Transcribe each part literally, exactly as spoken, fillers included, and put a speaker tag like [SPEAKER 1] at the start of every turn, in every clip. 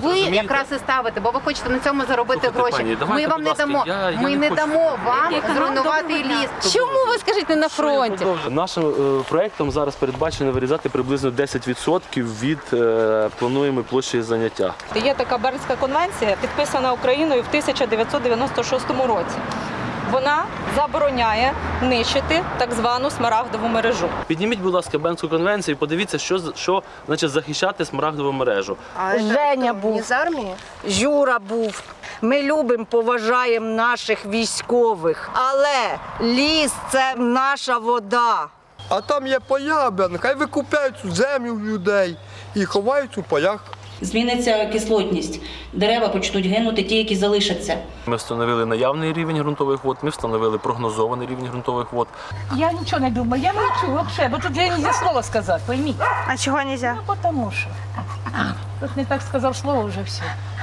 [SPEAKER 1] ви якраз і ставите, бо ви хочете на цьому заробити
[SPEAKER 2] Слухайте,
[SPEAKER 1] гроші.
[SPEAKER 2] пані,
[SPEAKER 1] Ми
[SPEAKER 2] давайте,
[SPEAKER 1] вам
[SPEAKER 2] будь
[SPEAKER 1] не
[SPEAKER 2] ласка,
[SPEAKER 1] дамо.
[SPEAKER 2] я- я
[SPEAKER 1] Ми
[SPEAKER 2] не
[SPEAKER 1] не
[SPEAKER 2] хочу.
[SPEAKER 1] дамо вам
[SPEAKER 3] Який
[SPEAKER 1] зруйнувати
[SPEAKER 3] доброго
[SPEAKER 1] ліс.
[SPEAKER 3] дня.
[SPEAKER 1] Чому ви скажіть не на фронті?
[SPEAKER 2] Нашим е, проєктом зараз передбачено вирізати приблизно десять відсотків від е, плануємої площі заняття.
[SPEAKER 3] Є така Бернська конвенція, підписана Україною в тисяча дев'ятсот дев'яносто шостому році. Вона забороняє нищити так звану смарагдову мережу.
[SPEAKER 2] Підніміть, будь ласка, Бернську конвенцію і подивіться, що, з- що значить захищати смарагдову мережу.
[SPEAKER 4] А
[SPEAKER 5] Женя
[SPEAKER 4] это кто,
[SPEAKER 5] був.
[SPEAKER 4] не з армії?
[SPEAKER 5] Юра був. Ми любимо, поважаємо наших військових. Але ліс це наша вода.
[SPEAKER 6] А там є поля, бля, хай викупляють цю землю в людей і ховають у полях.
[SPEAKER 7] Зміниться кислотність, дерева почнуть гинути, ті, які залишаться.
[SPEAKER 2] Ми встановили наявний рівень ґрунтових вод, ми встановили прогнозований рівень ґрунтових вод.
[SPEAKER 8] Я нічого не думаю, я мовчу вообще, бо тут я не слова сказати, пойміть.
[SPEAKER 4] А чого нельзя?
[SPEAKER 8] Ну, потому що. Тут не так сказав слово, вже все.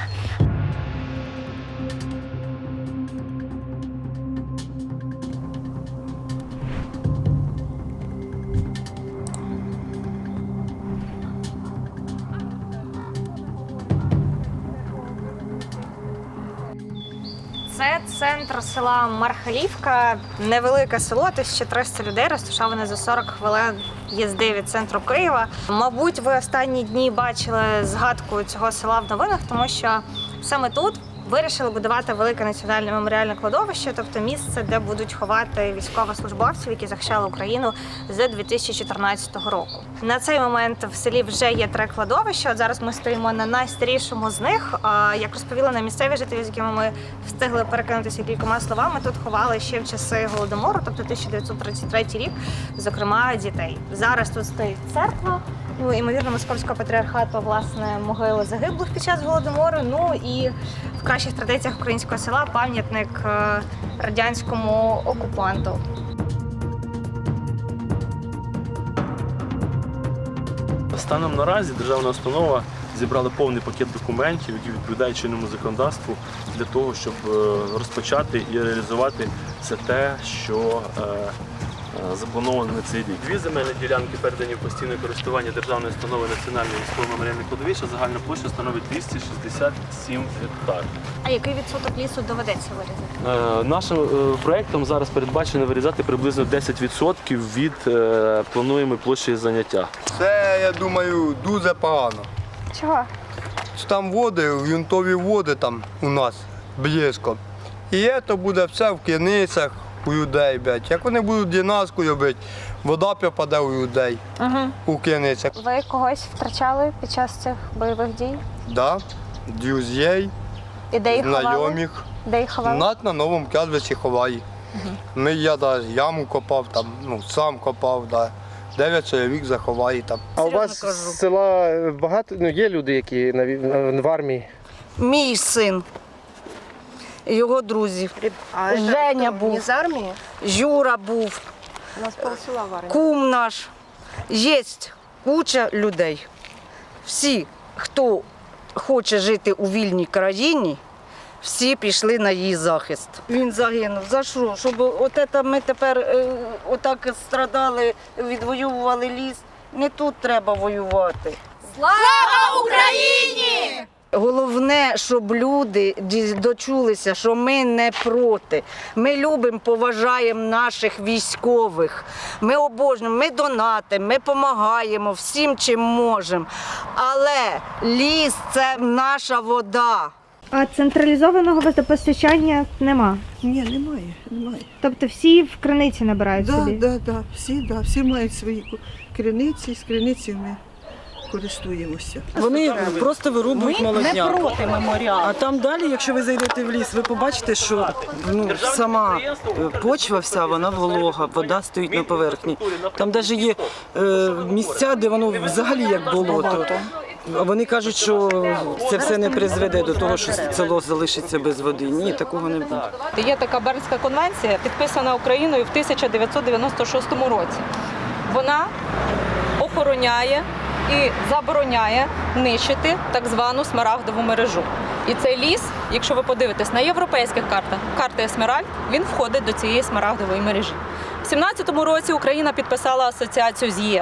[SPEAKER 9] Це центр села Мархалівка, невелике село, тисяча триста людей, розташоване за сорок хвилин їзди від центру Києва. Мабуть, ви останні дні бачили згадку цього села в новинах, тому що саме тут вирішили будувати велике національне меморіальне кладовище, тобто місце, де будуть ховати військовослужбовців, які захищали Україну з дві тисячі чотирнадцятого року. На цей момент в селі вже є три кладовища. От зараз ми стоїмо на найстарішому з них. А, Як розповіли нам місцеві жителі, з якими ми встигли перекинутися кількома словами, тут ховали ще в часи Голодомору, тобто тисяча дев'ятсот тридцять третій рік, зокрема дітей. Зараз тут стоїть церква, ну, ймовірно, Московського патріархату, власне, могили загиблих під час Голодомору. Ну і в кращих традиціях українського села пам'ятник е, радянському окупанту.
[SPEAKER 2] Станом наразі державна установа зібрала повний пакет документів, які відповідають чинному законодавству для того, щоб е, розпочати і реалізувати все те, що е, е, заплановано на цей рік. Дві земельні ділянки передані в постійне користування державної установи Національне військове меморіальне кладовище. Загальна площа становить двісті шістдесят сім гектар.
[SPEAKER 9] А який відсоток лісу доведеться вирізати?
[SPEAKER 2] Е, Нашим е, проєктом зараз передбачено вирізати приблизно десять відсотків від е, плануємої площі заняття.
[SPEAKER 6] Це, я думаю, дуже погано.
[SPEAKER 9] Чого?
[SPEAKER 6] Що там води, ґрунтові води там у нас близько. І це буде все в криницях у людей, блядь. Як вони будуть дінаску робити, вода попаде у людей
[SPEAKER 9] Угу.
[SPEAKER 6] у криницях.
[SPEAKER 9] Ви когось втрачали під час цих бойових дій?
[SPEAKER 6] Да, друзей,
[SPEAKER 9] І де їх ховали?
[SPEAKER 6] знайомих.
[SPEAKER 9] Де їх ховали?
[SPEAKER 6] Нас на новому кладбищі ховає. Ми, я да, яму копав, там, ну, сам копав, да. дев'ять чоловік заховає там.
[SPEAKER 10] А у вас з села багато, ну є люди, які на вій- в армії?
[SPEAKER 5] Мій син, його друзі.
[SPEAKER 4] А это
[SPEAKER 5] Женя
[SPEAKER 4] кто,
[SPEAKER 5] був.
[SPEAKER 4] не з армії?
[SPEAKER 5] Юра був,
[SPEAKER 4] У нас полсела в армії.
[SPEAKER 5] кум наш. Є куча людей. Всі, хто хоче жити у вільній країні, всі пішли на її захист. Він загинув. За що? Щоб от це ми тепер е, отак страдали, відвоювали ліс. Не тут треба воювати.
[SPEAKER 9] Слава Україні!
[SPEAKER 5] Головне, щоб люди ді- дочулися, що ми не проти. Ми любимо, поважаємо наших військових. Ми обожнюємо, ми донатимо, ми допомагаємо всім, чим можемо. Але ліс – це наша вода.
[SPEAKER 11] А централізованого водопостачання нема.
[SPEAKER 4] Ні, немає, немає.
[SPEAKER 11] Тобто всі в криниці набирають
[SPEAKER 4] Да,
[SPEAKER 11] собі.
[SPEAKER 4] да, да, всі, да, всі мають свої ку- криниці, з криниці ми користуємося.
[SPEAKER 12] Вони просто вирубують
[SPEAKER 8] Ми не
[SPEAKER 12] молодняк.
[SPEAKER 8] проти меморіалу.
[SPEAKER 12] А там далі, якщо ви зайдете в ліс, ви побачите, що ну, сама е, почва вся, вона волога, вода стоїть на поверхні. Там навіть є е, місця, де воно взагалі як болото. А вони кажуть, що це все не призведе до того, що село залишиться без води. Ні, такого не буде.
[SPEAKER 3] Є така Бернська конвенція, підписана Україною в тисяча дев'ятсот дев'яносто шостому році. Вона охороняє і забороняє нищити так звану смарагдову мережу. І цей ліс, якщо ви подивитесь на європейських картах, карти Есмеральд, він входить до цієї смарагдової мережі. У сімнадцятому році Україна підписала асоціацію з ЄС.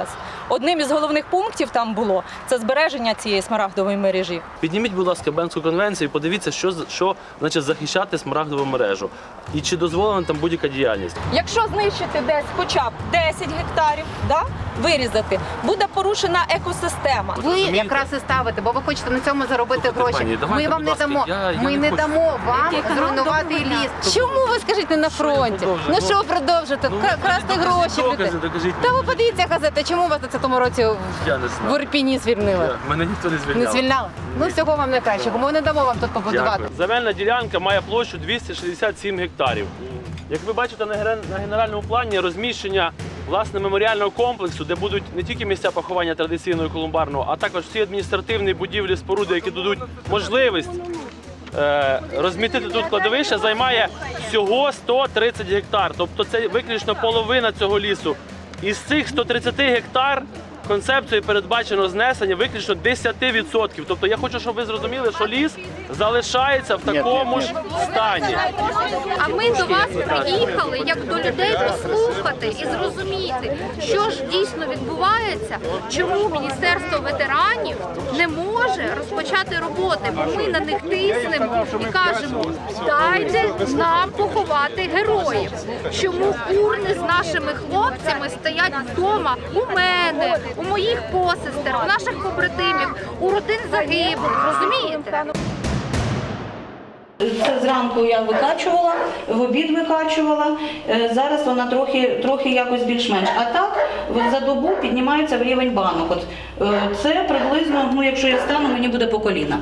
[SPEAKER 3] одним із головних пунктів там було це збереження цієї смарагдової мережі.
[SPEAKER 2] Підніміть, будь ласка, Бенську конвенцію і подивіться, що, що значить захищати смарагдову мережу. І чи дозволена там будь-яка діяльність.
[SPEAKER 3] Якщо знищити десь хоча б десять гектарів, да, вирізати, буде порушена екосистема.
[SPEAKER 1] Ви якраз і ставите, бо ви хочете на цьому заробити
[SPEAKER 2] Слухайте,
[SPEAKER 1] гроші.
[SPEAKER 2] пані, давайте,
[SPEAKER 1] Ми вам
[SPEAKER 2] будь
[SPEAKER 1] не
[SPEAKER 2] ласка,
[SPEAKER 1] дамо.
[SPEAKER 2] я- я
[SPEAKER 1] Ми
[SPEAKER 2] не
[SPEAKER 1] не
[SPEAKER 2] хочу.
[SPEAKER 1] дамо вам
[SPEAKER 3] Який
[SPEAKER 1] зруйнувати
[SPEAKER 3] канал
[SPEAKER 1] ліс. Чому ви скажіть не на фронті?
[SPEAKER 2] продовжуємо?
[SPEAKER 1] Ну
[SPEAKER 2] Ну,
[SPEAKER 1] що продовжити?
[SPEAKER 2] ну,
[SPEAKER 1] Кра- Красти
[SPEAKER 2] докажіть
[SPEAKER 1] гроші в
[SPEAKER 2] докази,
[SPEAKER 1] людей.
[SPEAKER 2] докажіть
[SPEAKER 1] Та ви
[SPEAKER 2] мені.
[SPEAKER 1] подивіться газети, чому вас на цьому році
[SPEAKER 2] Я не
[SPEAKER 1] в
[SPEAKER 2] знаю.
[SPEAKER 1] Ірпіні звільнили?
[SPEAKER 2] Я- Мене ніхто не звільняв.
[SPEAKER 1] Не звільняли? Ну всього вам найкращого. Ми не дамо вам тут побудувати.
[SPEAKER 2] Дякую. Земельна ділянка має площу двісті шістдесят сім гектарів. Як ви бачите на генер- на генеральному плані розміщення власне меморіального комплексу, де будуть не тільки місця поховання традиційного і колумбарного, а також всі адміністративні будівлі, споруди, які дадуть можливість е, розмістити тут кладовище, займає всього сто тридцять гектар. Тобто це виключно половина цього лісу. Із цих ста тридцяти гектар концепцією передбачено знесення виключно десять відсотків. Тобто я хочу, щоб ви зрозуміли, що ліс залишається в такому ж стані.
[SPEAKER 13] А ми до вас приїхали, як до людей, послухати і зрозуміти, що ж дійсно відбувається, чому Міністерство ветеранів не може розпочати роботи, бо ми на них тиснемо і кажемо, дайте нам поховати героїв. Чому урни з нашими хлопцями стоять вдома у мене, у моїх посестер, у наших побратимів, у родин загиблих, розумієте?
[SPEAKER 7] Це зранку я викачувала, в обід викачувала, е, зараз вона трохи, трохи якось більш-менш. А так за добу піднімається в рівень банок. От, е, це приблизно, ну якщо я стану, мені буде по коліна.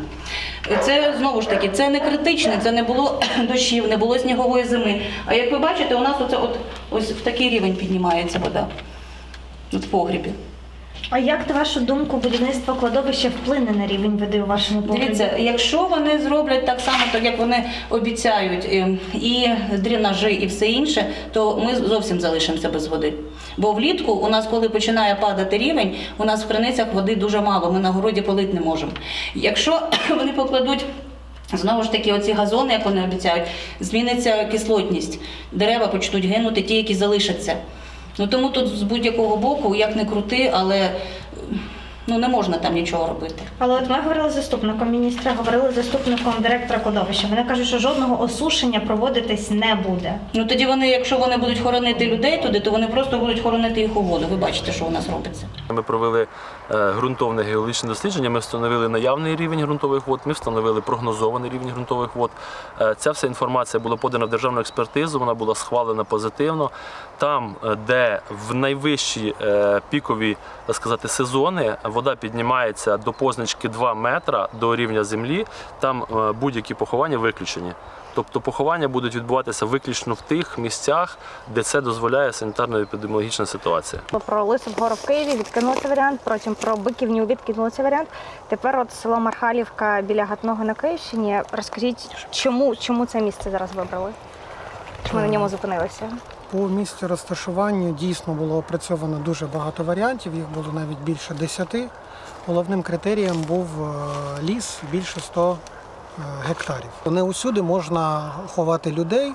[SPEAKER 7] Це знову ж таки, це не критичне, це не було дощів, не було снігової зими. А як ви бачите, у нас оце от, ось в такий рівень піднімається вода. От в погрібі.
[SPEAKER 11] А як, на вашу думку, будівництво кладовища вплине на рівень води у вашому погребі?
[SPEAKER 7] Дивіться, якщо вони зроблять так само, так як вони обіцяють, і дренажі, і все інше, то ми зовсім залишимося без води. Бо влітку у нас, коли починає падати рівень, у нас в криницях води дуже мало, ми на городі полити не можемо. Якщо вони покладуть знову ж таки оці газони, як вони обіцяють, зміниться кислотність, дерева почнуть гинути, ті, які залишаться. Ну тому тут з будь-якого боку, як не крути, але ну, не можна там нічого робити.
[SPEAKER 11] Але от ми говорили з заступником міністра, говорили з заступником директора кладовища. Вони кажуть, що жодного осушення проводитись не буде.
[SPEAKER 7] Ну тоді вони, якщо вони будуть хоронити людей туди, то вони просто будуть хоронити їх у воду. Ви бачите, що у нас робиться.
[SPEAKER 2] Ми провели е, ґрунтовне геологічне дослідження, ми встановили наявний рівень ґрунтових вод, ми встановили прогнозований рівень ґрунтових вод. Е, ця вся інформація була подана в державну експертизу, вона була схвалена позитивно. Там, е, де в найвищі е, пікові, так сказати, сезони вода піднімається до позначки два метра до рівня землі, там е, будь-які поховання виключені. Тобто поховання будуть відбуватися виключно в тих місцях, де це дозволяє санітарно-епідеміологічна ситуація.
[SPEAKER 11] Про Лису Гору в Києві відкинули цей варіант, потім про Биківню відкинули цей варіант. Тепер от село Мархалівка біля Гатного на Київщині. Розкажіть, чому, чому це місце зараз вибрали? Чому на ньому зупинилися?
[SPEAKER 14] По місцю розташування дійсно було опрацьовано дуже багато варіантів, їх було навіть більше десяти. Головним критерієм був ліс більше ста гектарів. Не усюди можна ховати людей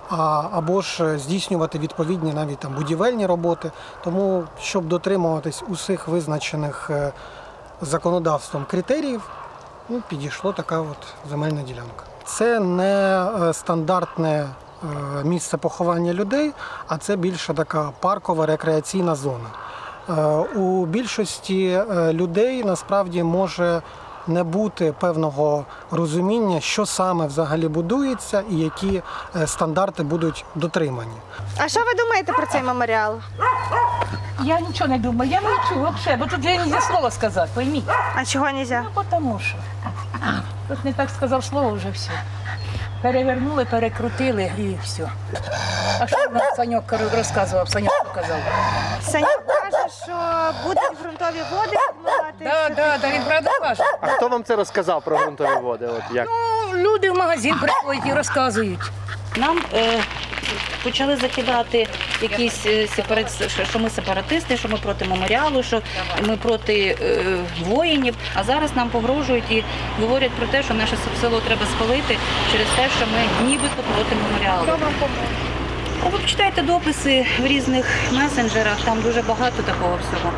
[SPEAKER 14] або ж здійснювати відповідні навіть там будівельні роботи. Тому, щоб дотримуватись усіх визначених законодавством критеріїв, ну, підійшла така от земельна ділянка. Це не стандартне місце поховання людей, а це більше така паркова рекреаційна зона. У більшості людей насправді може не бути певного розуміння, що саме взагалі будується і які стандарти будуть дотримані.
[SPEAKER 11] А що ви думаєте про цей меморіал?
[SPEAKER 8] Я нічого не думаю, я мовчу взагалі, бо тут я не можу слова сказати, пойміть.
[SPEAKER 11] А чого не можна?
[SPEAKER 8] Ну, тому що. Тут не так сказав слово, вже все. Перевернули, перекрутили і все. А що нам Саньок розказував, Саньок показав?
[SPEAKER 11] Саньок каже, що будуть ґрунтові води відмивати.
[SPEAKER 8] Так, так, так, він правда каже.
[SPEAKER 10] А хто вам це розказав про ґрунтові води? От як?
[SPEAKER 8] Ну, люди в магазин приходять і розказують.
[SPEAKER 7] Нам е, почали закидати якісь е, сепарат... що ми сепаратисти, що ми проти меморіалу, що ми проти е, воїнів. А зараз нам погрожують і говорять про те, що наше село треба спалити через те, що ми нібито проти меморіалу.
[SPEAKER 11] Хто вам поможе?
[SPEAKER 7] Ви почитайте дописи в різних месенджерах, там дуже багато такого всього.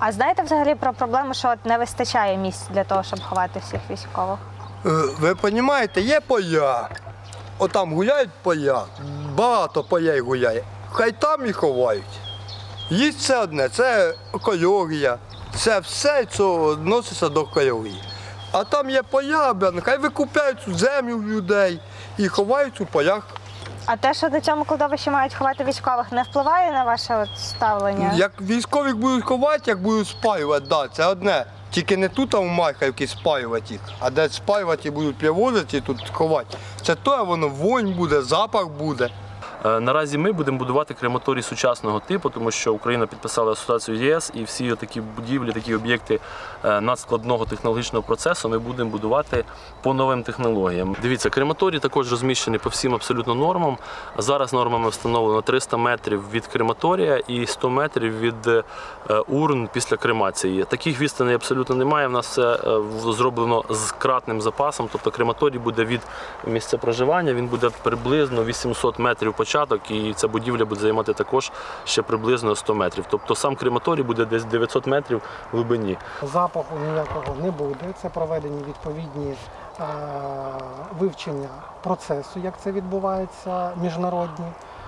[SPEAKER 11] А знаєте взагалі про проблему, що от не вистачає місць для того, щоб ховати всіх військових?
[SPEAKER 6] Е, Ви розумієте, є поля. Отам гуляють поля, багато полей гуляє. Хай там і ховають. Їсть це одне, це екологія. Це все, що відноситься до екології. А там є поля, блін, хай викупляють цю землю в людей і ховають у полях.
[SPEAKER 11] А те, що на цьому кладовищі мають ховати військових, не впливає на ваше от ставлення?
[SPEAKER 6] Як військових будуть ховати, як будуть спалювати, да, це одне. Тільки не тут, а в Мархівці спалювати їх, а де спалювати будуть привозити і тут ховати. Це то, воно вонь буде, запах буде.
[SPEAKER 2] Наразі ми будемо будувати крематорій сучасного типу, тому що Україна підписала асоціацію ЄС, і всі такі будівлі, такі об'єкти надскладного технологічного процесу ми будемо будувати по новим технологіям. Дивіться, крематорій також розміщений по всім абсолютно нормам. Зараз нормами встановлено триста метрів від крематорія і сто метрів від урн після кремації. Таких відстаней абсолютно немає. У нас все зроблено з кратним запасом, тобто крематорій буде від місця проживання, він буде приблизно вісімсот метрів початку, і ця будівля буде займати також ще приблизно сто метрів. Тобто сам крематорій буде десь дев'ятсот метрів в глибині.
[SPEAKER 14] Запаху ніякого не буде. Це проведені відповідні е, вивчення процесу, як це відбувається, міжнародні.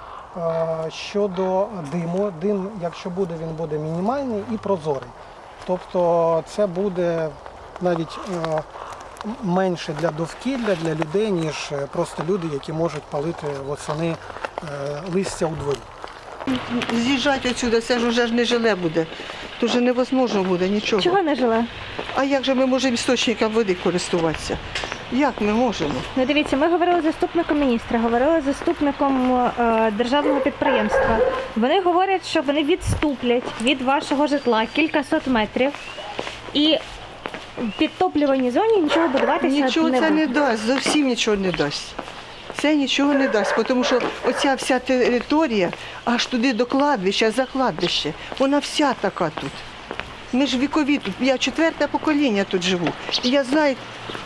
[SPEAKER 14] Е, щодо диму, дим, якщо буде, він буде мінімальний і прозорий. Тобто це буде навіть е, менше для довкілля, для людей, ніж просто люди, які можуть палити восени е, листя у дворі.
[SPEAKER 4] З'їжджати отсюди, це ж вже ж не жиле буде. Тут же невозможно буде нічого.
[SPEAKER 11] Чого не жиле?
[SPEAKER 4] А як же ми можемо істочником води користуватися? Як ми можемо?
[SPEAKER 11] Ну дивіться, ми говорили з заступником міністра, говорили з заступником е, державного підприємства. Вони говорять, що вони відступлять від вашого житла кількасот метрів і в підтоплюваній зоні нічого будуватися
[SPEAKER 4] Нічого
[SPEAKER 11] не
[SPEAKER 4] це
[SPEAKER 11] буде.
[SPEAKER 4] не дасть, зовсім нічого не дасть. Це нічого не дасть, тому що оця вся територія, аж туди до кладбища, за кладбище, вона вся така тут. Ми ж вікові тут, я четверте покоління тут живу. І я знаю,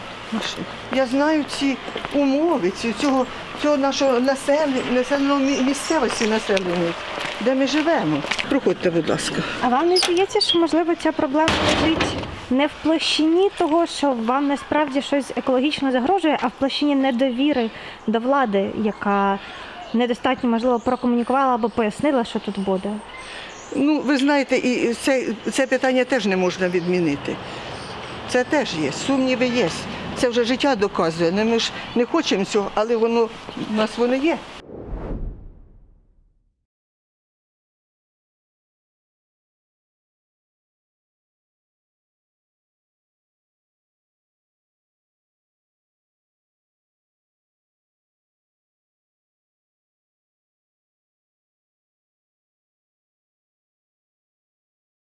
[SPEAKER 4] я знаю ці умови, ці, цього, цього нашого населення, населеної місцевості населення, де ми живемо. Проходьте, будь ласка.
[SPEAKER 11] А вам не здається, що, можливо, ця проблема лежить не в площині того, що вам насправді щось екологічно загрожує, а в площині недовіри до влади, яка недостатньо, можливо, прокомунікувала або пояснила, що тут буде?
[SPEAKER 4] Ну, ви знаєте, і це, це питання теж не можна відмінити. Це теж є, сумніви є. Це вже життя доказує. Ми ж не хочемо цього, але воно у нас воно є.